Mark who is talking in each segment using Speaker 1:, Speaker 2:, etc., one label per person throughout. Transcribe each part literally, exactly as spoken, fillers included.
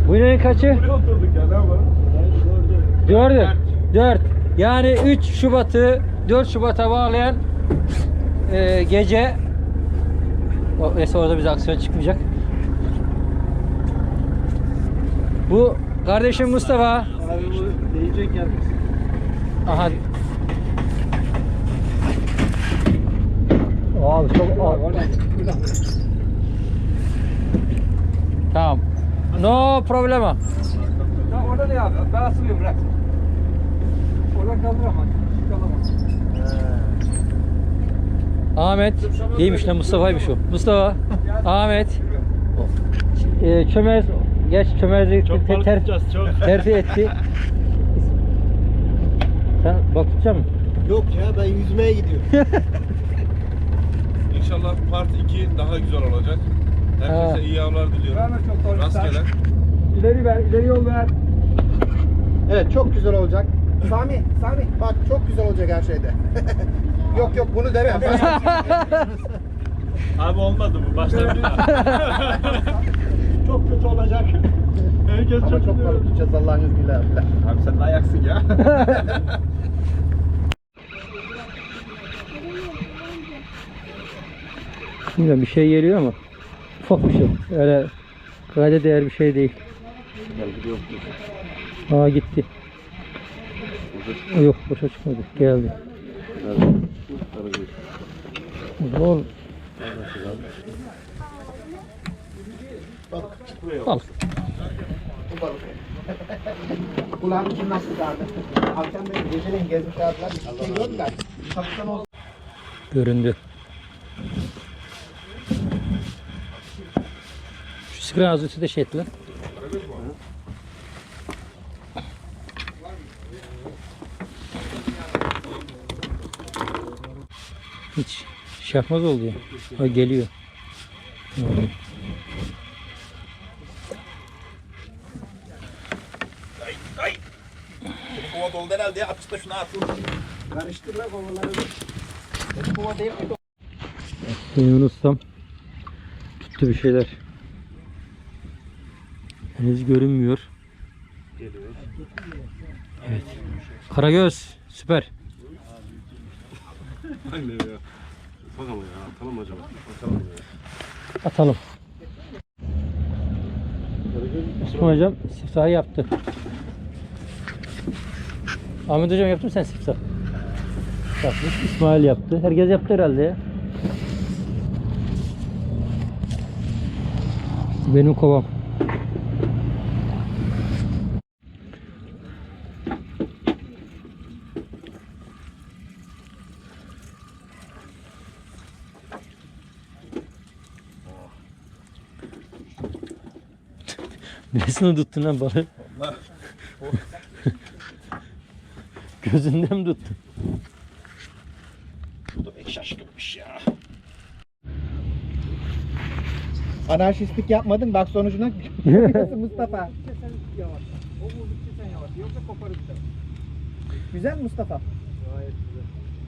Speaker 1: Bu ineğin kaçı?
Speaker 2: Buraya oturduk ya, ne yapalım?
Speaker 1: Dördü. Dört. Yani üç Şubat'ı dört Şubat'a bağlayan e, gece. O, neyse orada bize aksiyon çıkmayacak. Bu kardeşim Mustafa.
Speaker 2: Abi bu değecek yer misin?
Speaker 1: Aha. Abi çok Tamam. No problema.
Speaker 2: Ya orada ne abi? Ben asılıyorum, bırak. Oradan kaldıramaz. Çıkamaz.
Speaker 1: Ahmet. İyiymiş lan, Mustafa'ymış o. Mustafa. Ahmet. E, çömez. Geç çömezliği
Speaker 2: Çok balık
Speaker 1: ter,
Speaker 2: tutacağız, çok.
Speaker 1: terfi etti. Sen bak tutacak mısın?
Speaker 3: Yok ya, ben yüzmeye gidiyorum.
Speaker 4: İnşallah part iki daha güzel olacak. Herkese
Speaker 1: Ha.
Speaker 4: iyi avlar diliyorum.
Speaker 2: Verme çok doğru.
Speaker 4: Rastgele.
Speaker 2: İleri ver, ileri yol ver.
Speaker 3: Evet, çok güzel olacak. Sami, Sami bak çok güzel olacak her şeyde. Yok yok, bunu deme.
Speaker 2: Abi olmadı bu, baştan bir daha. Çok kötü olacak. Herkes
Speaker 3: Ama
Speaker 2: çok
Speaker 3: çok balık tutacağız Allah'ın izniyle.
Speaker 4: Abi sen de ayaksın ya.
Speaker 1: Bilmiyorum, bir şey geliyor ama ufak bir şey. Öyle kayda değer bir şey değil. Aa gitti. Yok, boşa çıkmadı. Geldi. Oğlum. Al.
Speaker 3: Bu balık. Kulağını kim nasıl çağırdı? Akşam beni geceleyin gezmiş çağırdılar. Bir şey gördüler. Kaptan olsun.
Speaker 1: Göründü. Şu sigara ağzı de şey etti lan. Hiç şey yapmaz oldu ya. Ha, geliyor. Hmm.
Speaker 4: Kova doldu herhalde ya. Atışta şuna atıl.
Speaker 3: Karıştırma kovaları. Kova değil mi?
Speaker 1: Benim ustam tuttu bir şeyler. Henüz görünmüyor. Evet. Karagöz süper.
Speaker 4: Aynen ya. Bakalım ya. Atalım acaba. Atalım ya.
Speaker 1: Atalım. Osman hocam siftahı yaptı. Ahmet hocam yaptın mı sen siftah? Yapmış. İsmail yaptı. Herkes yaptı herhalde ya. Benim kovam. Nesini tuttun lan balığı?
Speaker 4: Allah.
Speaker 1: Gözünden mi tuttun?
Speaker 4: Bu da pek şaşkınmış ya.
Speaker 3: Anarşistlik yapmadın, bak sonucuna. Mustafa.
Speaker 2: Yavaş. O vurdukça sen yavaş. Yoksa koparırsa.
Speaker 3: Güzel mi Mustafa?
Speaker 2: Gayet güzel.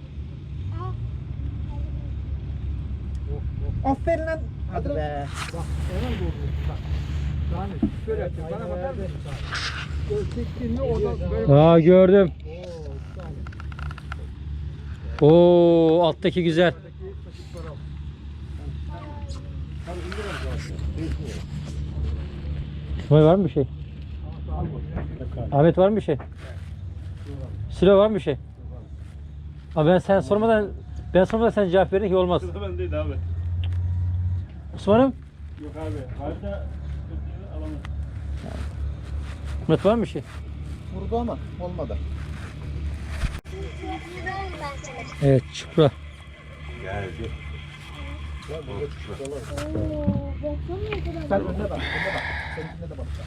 Speaker 3: Aferin lan. Hadi be.
Speaker 2: Bak, hemen vurdun. Bak. Yani şöyle yapacağım. Bana bakar mısın? Böyle çektiğinde orada böyle...
Speaker 1: Aa gördüm.
Speaker 2: Oo, bir tane.
Speaker 1: Oo alttaki güzel. İsmail var mı bir şey? Ahmet var mı bir şey? Sülo var mı bir şey? Abi ben sen sormadan ben sormadan sen cevap verin ki olmaz.
Speaker 2: Sırtı bendeydi abi.
Speaker 1: Osman'ım,
Speaker 2: Yok abi. Harita alamaz.
Speaker 1: Ahmet var mı bir şey?
Speaker 3: Vurdu ama olmadı.
Speaker 1: Evet, çupra.
Speaker 4: Geldi.
Speaker 3: Sen önüne bak, önüne bak. Seninkine de bakacağım.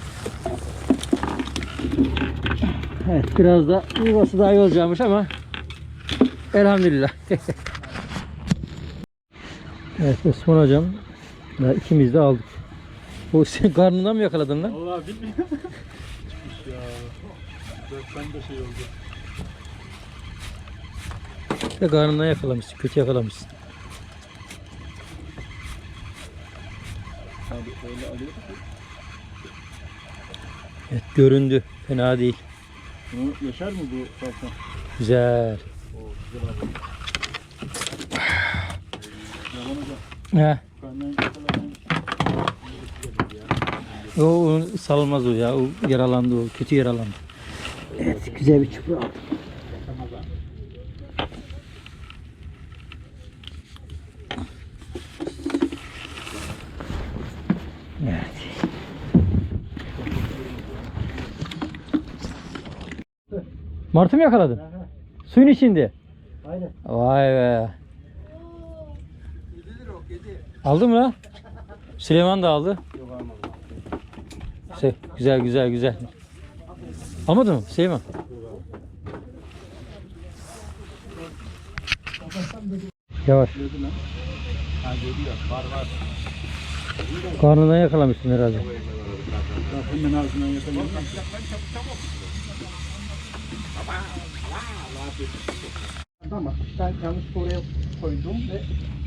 Speaker 1: Evet, biraz da yuvası daha iyi olacakmış ama elhamdülillah. Evet Osman hocam, daha ikimiz de aldık. O sen karnından mı yakaladın lan?
Speaker 2: Vallahi bilmiyorum. Çıkmış ya. Ben de şey oldu.
Speaker 1: De karnından yakalamışsın, kötü yakalamışsın.
Speaker 2: Abi öyle alıyor.
Speaker 1: Evet, göründü. Fena değil.
Speaker 2: Bunu yaşar mı bu salsa?
Speaker 1: Güzel.
Speaker 2: Oo, güzel abi. Yaman hocam.
Speaker 1: He.
Speaker 2: Benden yakaladığın
Speaker 1: O, o salmaz o ya. O yaralandı o. Kötü yaralandı. Evet, güzel bir çupra aldım. Evet. Martı mı yakaladın? Suyun içinde.
Speaker 2: Aynen.
Speaker 1: Vay be. Aldın mı lan? Süleyman da aldı.
Speaker 2: Yok almadım.
Speaker 1: Şey, güzel güzel güzel. Almadın mı Süleyman? Yavaş.
Speaker 2: Gördün lan. Ha geliyor. Var var.
Speaker 1: Karnından yakalamışsın herhalde.
Speaker 2: Bak hemen ağzından yakalayayım.
Speaker 3: Ama ben yanlış oraya koydum ve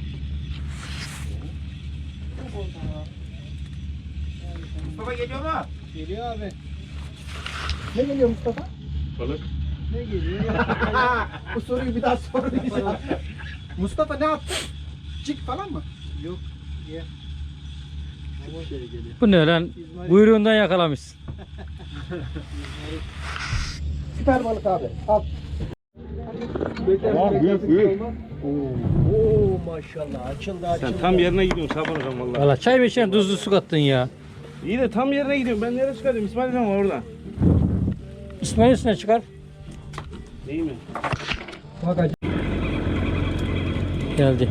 Speaker 3: Mustafa geliyor mu?
Speaker 2: Geliyor abi.
Speaker 3: Ne geliyor Mustafa?
Speaker 4: Balık.
Speaker 3: Ne geliyor? Bu soruyu bir daha sormayacağım. Mustafa ne yaptı? Cik falan mı?
Speaker 2: Yok. Ye. Bu şey geliyor.
Speaker 1: Bu ne lan? Buyruğundan yakalamışsın.
Speaker 3: Süper balık abi. Al.
Speaker 4: Tamam, büyük, büyük.
Speaker 2: Oo maşallah açıldı açıldı.
Speaker 4: Sen tam yerine gidiyorsun Şaban hocam valla.
Speaker 1: Valla çay mı içen tuzlu su kattın ya.
Speaker 4: İyi de tam yerine gidiyorum. Ben nereye çıkardım? İsmail hocam var orada.
Speaker 1: İsmail üstüne çıkar.
Speaker 4: Değil mi?
Speaker 1: Geldi.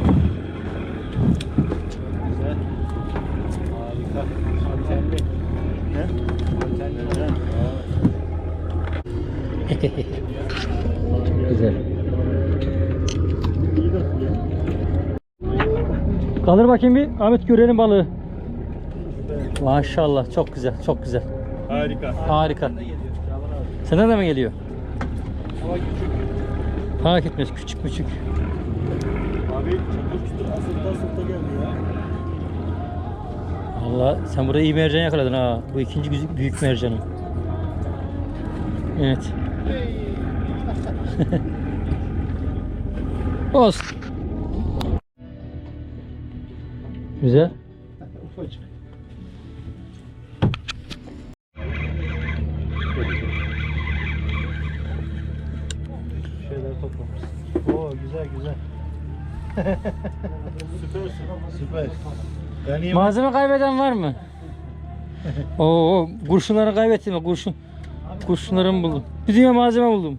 Speaker 2: Güzel. Harika. Antenli. Ne? Antenli.
Speaker 1: Çok güzel.
Speaker 2: İyi de suya.
Speaker 1: Kaldır bakayım bir. Ahmet görelim balığı. Maşallah çok güzel çok güzel.
Speaker 4: Harika.
Speaker 1: Harika. Senden de mi geliyor?
Speaker 2: Hava küçük.
Speaker 1: Fark etmez küçük küçük.
Speaker 2: Abi çatır çutur asılta asılta geldi ya.
Speaker 1: Valla sen burada iyi mercan yakaladın ha. Bu ikinci güz- büyük mercanı. Evet. Olsun. Güzel.
Speaker 3: Ufacık.
Speaker 2: Şeyler toplamışsın. Oo güzel güzel. Süpersin. Süper. Ben iyi.
Speaker 1: Malzeme kaybeden var mı? Oo, kurşunları kaybettim mi? Kurşun. Kurşunlarımı buldum. Bir dünya malzeme buldum.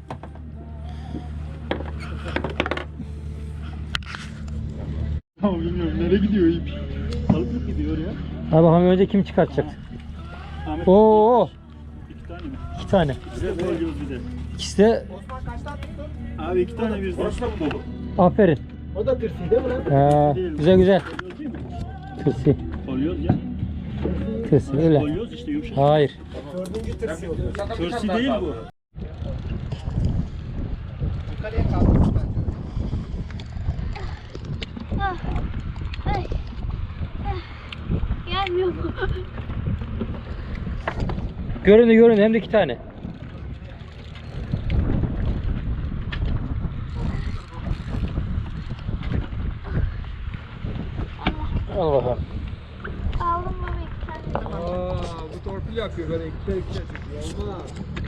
Speaker 2: Tamam bilmiyorum nereye gidiyor ip. Balık mı gidiyor ya?
Speaker 1: Ha bakalım önce kim çıkartacak?
Speaker 2: Ahmet.
Speaker 1: Oo,
Speaker 2: İki tane mi?
Speaker 1: iki tane.
Speaker 2: Bir de boyuyoruz bir de.
Speaker 1: İkisi de
Speaker 3: Osman kaçtan tuttun?
Speaker 2: Abi iki tane birden. Boşuna mı dolu?
Speaker 1: aferin.
Speaker 3: O da tırsi değil mi lan?
Speaker 1: Ha, güzel güzel.
Speaker 2: Kolyoz değil mi?
Speaker 1: Tırsi.
Speaker 2: Kolyoz ya.
Speaker 1: Tırsi öyle.
Speaker 2: Kolyoz işte yumuşak.
Speaker 1: Hayır.
Speaker 3: Dördüncü tırsi oluyor.
Speaker 2: Tırsi değil bu.
Speaker 3: Yukarıya kaldırmış bence.
Speaker 5: Ah, ay, ah, gelmiyor mu?
Speaker 1: Göründü göründü hem de iki tane. Al bakalım.
Speaker 5: Aldım baba iki tane.
Speaker 2: Aa, bu torpil yapıyor böyle ikişer ikişer çekiyor. Olmaz.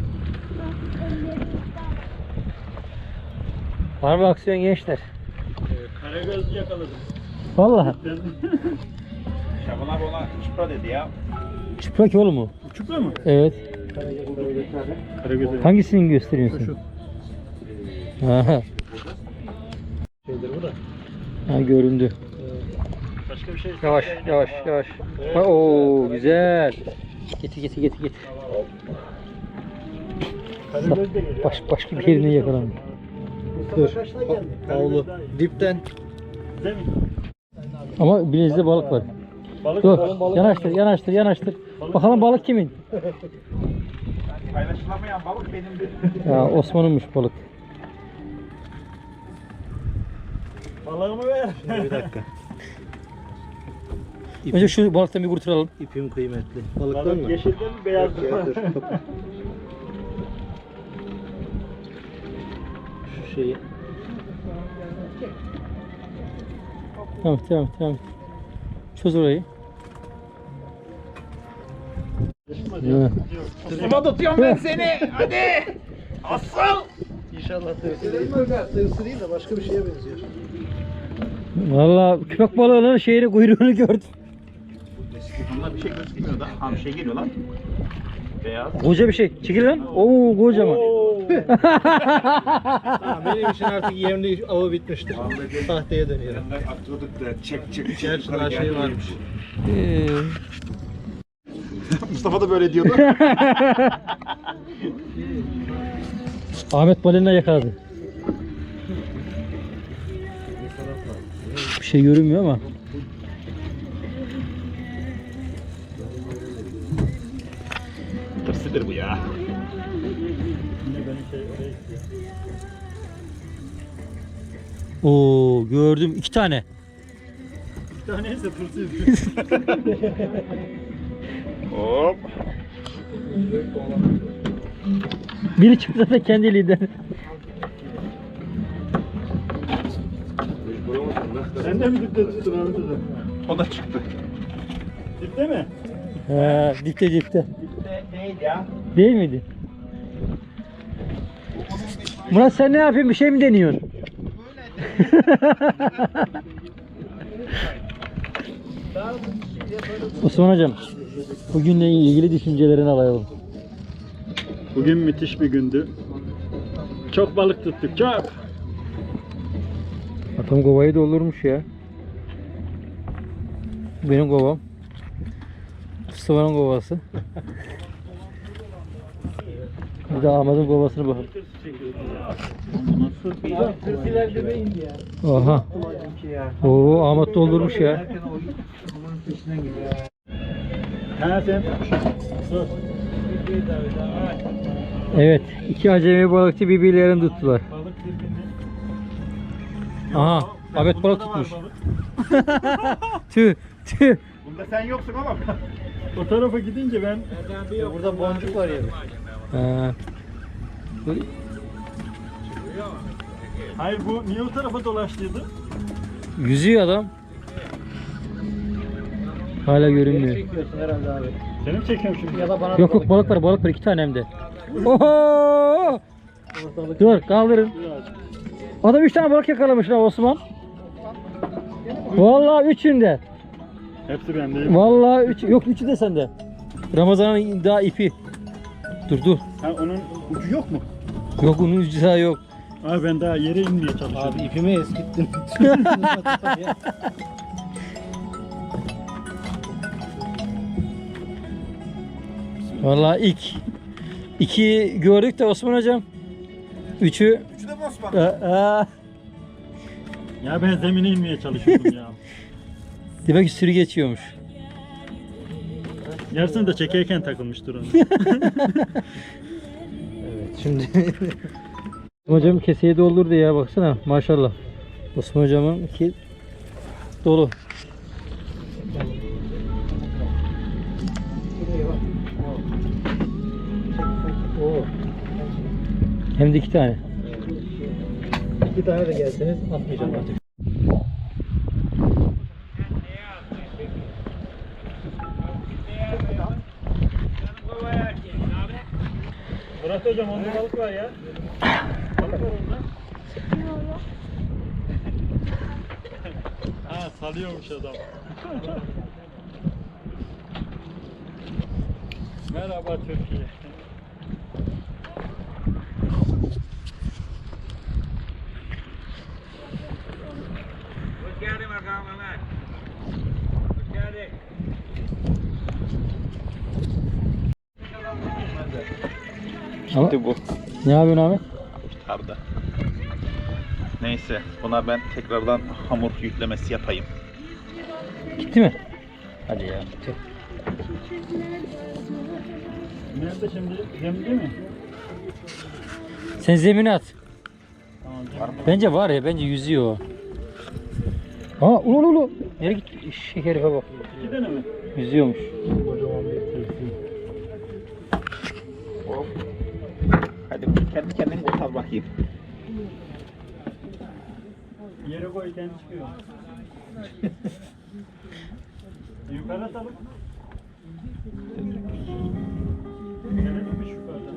Speaker 1: Var mı aksiyon gençler?
Speaker 2: Karagöz yakaladım.
Speaker 1: Vallahi.
Speaker 3: Şaban abi ona çipra dedi ya.
Speaker 1: Çıplak oğlum mu?
Speaker 2: Çupra mı?
Speaker 1: Evet.
Speaker 2: Karagöz'e.
Speaker 1: Hangisini gösteriyorsun? Ha,
Speaker 2: Şeydir bu da.
Speaker 1: ha göründü.
Speaker 2: Başka bir şey.
Speaker 1: Yavaş yavaş yavaş. Ha, oo güzel. Getir getir getir getir.
Speaker 2: Karagöz de geliyor.
Speaker 1: Baş, başka bir yerine yakalandı.
Speaker 3: Dur.
Speaker 2: Oğlu.
Speaker 3: Dipten.
Speaker 2: Değil mi?
Speaker 1: Ama bileğinde balık var.
Speaker 2: Balık
Speaker 1: Dur
Speaker 2: balık balık.
Speaker 1: yanaştır yanaştır yanaştır. Bakalım balık kimin?
Speaker 3: Paylaşılamayan balık benimdir.
Speaker 1: Ya Osman'ınmış balık.
Speaker 2: Balığımı ver.
Speaker 3: Bir dakika.
Speaker 1: Önce şu balıktan bir kurtaralım.
Speaker 4: İpim kıymetli. Balıktan mı?
Speaker 2: Yeşilden mi beyazdan mı?
Speaker 4: Şu şeyi.
Speaker 1: Tamam tamam tamam. Çöz orayı. Evet.
Speaker 3: Ama tutuyorum ben seni. Hadi. Asıl.
Speaker 4: İnşallah tırsırayım. Tırsırayım da başka bir şeye benziyor.
Speaker 1: Valla köpek balığının şeyini kuyruğunu gördüm.
Speaker 3: Bunlar bir şey gözükmüyor da. Ha bir şey geliyor lan. Beyaz.
Speaker 1: Koca bir şey. Çekil lan. Oo kocaman.
Speaker 4: Tamam, benim için artık yemli avı bitmiştir. Sahteye dönüyorum.
Speaker 3: Atıyorduk da çek çek çek.
Speaker 4: Gerçi daha şey varmış.
Speaker 1: Ee,
Speaker 3: Mustafa da böyle diyordu.
Speaker 1: Ahmet balina yakaladı. Bir şey görünmüyor ama.
Speaker 3: Tırsıdır bu ya.
Speaker 1: Oo gördüm iki tane.
Speaker 2: Bir taneyse tırsız.
Speaker 3: Hop.
Speaker 1: Biri çıktı da kendiliğinden.
Speaker 2: Sen de mi dipte tuttun Ahmet Hoca?
Speaker 3: O da çıktı.
Speaker 2: Dipte mi?
Speaker 1: He, dipte dipte.
Speaker 3: Neydi ya?
Speaker 1: Değil miydi? Murat sen ne yapıyorsun? Bir şey mi deniyorsun? Osman hocam, bugünle ilgili düşüncelerini alalım.
Speaker 2: Bugün müthiş bir gündü. Çok balık tuttuk, çok.
Speaker 1: Atam kovayı doldurmuş ya. Benim kovam. Mustafa'nın kovası. Bir de Ahmet'in kovasına bakalım.
Speaker 2: Tırsiler dibe indi ya.
Speaker 1: Aha. Oo Ahmet doldurmuş ya.
Speaker 2: Ha sen. Sus.
Speaker 1: Evet, iki acemi balıkçı birbirlerini tuttular.
Speaker 2: Balık birbirini.
Speaker 1: Aha, Ahmet balık tutmuş. Tüh, tüh.
Speaker 3: Bunda sen yoksun oğlum.
Speaker 2: O tarafa gidince ben
Speaker 4: Burada boncuk var ya.
Speaker 1: Ha.
Speaker 2: hayır bu niye o tarafa dolaştıydı?
Speaker 1: Yüzüyor adam. Hala görünmüyor.
Speaker 4: Çekiyorsun herhalde abi.
Speaker 2: Seni mi çekiyorum şimdi?
Speaker 4: Ya da bana
Speaker 1: Yok yok balık var, balık var iki tane hem de. Oho! Dur kaldırın. Adam üç tane balık yakalamış lan Osman. Vallahi üçünde.
Speaker 2: Hepsi bende.
Speaker 1: Vallahi üç, yok üçü de sende. Ramazan'ın daha ipi. Dur dur.
Speaker 2: Ha onun ucu yok mu?
Speaker 1: Yok onun ucu daha yok.
Speaker 2: Abi ben daha yere inmeye çalışıyorum.
Speaker 4: Abi ipimi eskittin.
Speaker 1: Vallahi ilk iki gördük de Osman hocam. Üçü
Speaker 3: Üçü de Osman.
Speaker 1: Aa,
Speaker 2: Ya ben zemine inmeye çalışıyordum ya.
Speaker 1: demek ki sürü geçiyormuş.
Speaker 2: Yarısını da çekerken takılmıştır onu.
Speaker 4: Evet şimdi
Speaker 1: Osman hocam keseyi doldurdu ya baksana maşallah. Osman hocamın ki dolu. Hem de iki tane.
Speaker 4: iki tane de gelseniz atmayacağım artık.
Speaker 2: Murat hocam onda balık var ya. Balık var onda. Ha salıyormuş adam. Merhaba Türkiye.
Speaker 1: Ama
Speaker 3: Gitti bu.
Speaker 1: ne yapıyorsun Ahmet?
Speaker 3: Arda. Neyse buna ben tekrardan hamur yüklemesi yapayım.
Speaker 1: Gitti mi? Hadi ya. Gitti.
Speaker 2: Nerede şimdi? Zemde mi?
Speaker 1: Sen zemine at.
Speaker 2: Tamam.
Speaker 1: Bence var ya bence yüzüyor o. Aa ulu ulu ulu. Nereye gitti? Şu herife bak.
Speaker 2: İki tane mi?
Speaker 1: Yüzüyormuş.
Speaker 2: Kocaman bir tepsi.
Speaker 3: Hop. Hadi kendi kendini kurtar bakayım.
Speaker 2: Yere koy kendi çıkıyor. Yukarı atalım. Gelelim mi yukarıdan?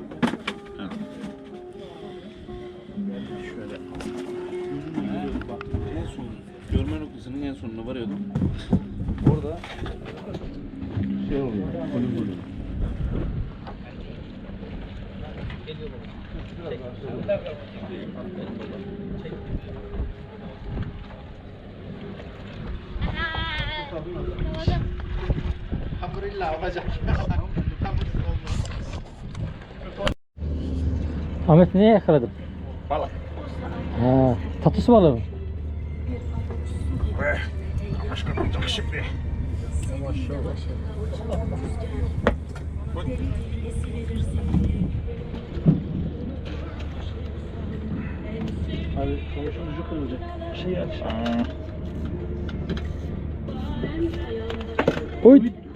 Speaker 4: Şöyle. Bak en son görme noktasının en sonuna varıyordum. Orada şey oluyor. Konum oluyor.
Speaker 5: Yakaladım.
Speaker 3: Hamdülillah olacak.
Speaker 1: Ahmet neye yakaladım?
Speaker 3: Balık.
Speaker 1: Ha, tatlısı balığı mı?
Speaker 3: Başka olacak şimdi.
Speaker 2: Hadi konuşun ucu kırılacak. Bir şey aç.
Speaker 1: Oy.